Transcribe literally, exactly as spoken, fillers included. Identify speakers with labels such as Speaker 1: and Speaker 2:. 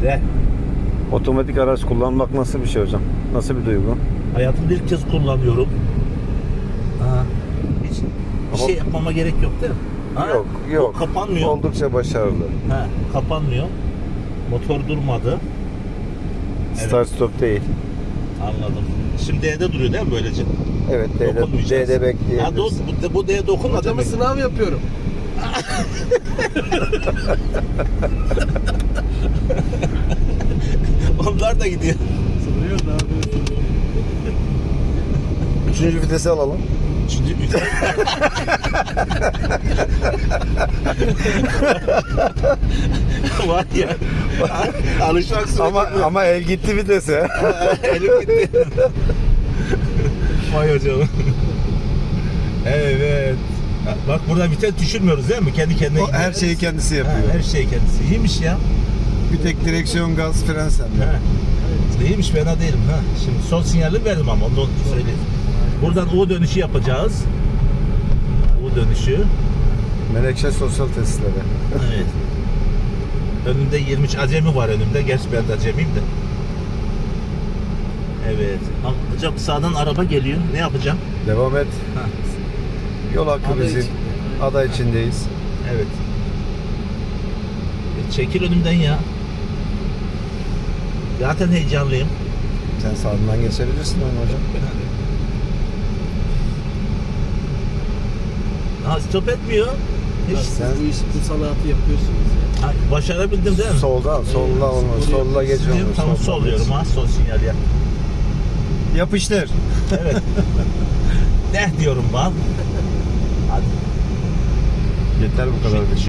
Speaker 1: De.
Speaker 2: Otomatik araç kullanmak nasıl bir şey hocam? Nasıl bir duygu?
Speaker 1: Hayatımda ilk kez kullanıyorum. Ha. Hiç bir
Speaker 2: Ama-
Speaker 1: şey yapmama gerek yok değil mi? Ha?
Speaker 2: Yok, yok.
Speaker 1: O kapanmıyor.
Speaker 2: Oldukça başarılı.
Speaker 1: Ha, kapanmıyor. Motor durmadı. Evet.
Speaker 2: Start stop değil.
Speaker 1: Anladım. Şimdi D'de duruyor değil mi böylece?
Speaker 2: Evet, D'de,
Speaker 1: Dokunmayacağız.
Speaker 2: D'de
Speaker 1: Ha, do,
Speaker 2: bekleyebilirsin.
Speaker 1: bu, bu D'ye dokunma
Speaker 3: Hocama
Speaker 1: demek.
Speaker 3: sınav yapıyorum.
Speaker 1: Onlar da gidiyor.
Speaker 3: Sınıyor da abi.
Speaker 2: Üçüncü vitesi alalım.
Speaker 1: Şimdi var ya. Alışmak sürekli.
Speaker 2: Ama ama el gitti vitese.
Speaker 1: Elim gitti. Vay hocam. Evet. Bak burada vites düşürmüyoruz değil mi? Kendi kendine
Speaker 2: O
Speaker 1: gidiyor.
Speaker 2: her şeyi kendisi
Speaker 1: Ha,
Speaker 2: yapıyor.
Speaker 1: her şey kendisi. İyiymiş ya.
Speaker 2: Bir tek direksiyon, gaz, fren sende.
Speaker 1: Ha. İyiymiş, fena değilim. Ha. Şimdi sol sinyali verdim ama onu söyleyeyim. Buradan U dönüşü yapacağız. U dönüşü.
Speaker 2: Menekşe sosyal tesisleri.
Speaker 1: Evet. Önümde yirmi üç acemi var önümde. Gerçi ben de acemiyim de. Evet. Hocam sağdan araba geliyor. Ne yapacağım?
Speaker 2: Devam et.
Speaker 1: Ha.
Speaker 2: Yol hakkı
Speaker 3: Ada
Speaker 2: bizim.
Speaker 3: için.
Speaker 2: Ada içindeyiz.
Speaker 1: Evet. E, çekil önümden ya. Zaten heyecanlıyım.
Speaker 2: Sen sağından geçebilirsin onu hocam.
Speaker 1: Ha, stop etmiyor. Hiç.
Speaker 3: Siz
Speaker 2: Sen-
Speaker 3: bu iş, bu sanatı yapıyorsunuz ya.
Speaker 1: Ha, başarabildim değil mi?
Speaker 2: Soldan, solla olmaz.
Speaker 3: Sola
Speaker 2: Solla geç
Speaker 1: Diyorum,
Speaker 2: onu.
Speaker 1: tamam
Speaker 2: soldan
Speaker 1: sol diyorum
Speaker 2: geç.
Speaker 1: ha. Sol sinyal ya.
Speaker 2: Yapıştır.
Speaker 1: Evet. Ne diyorum ben? Hadi.
Speaker 2: Yeter bu kadar.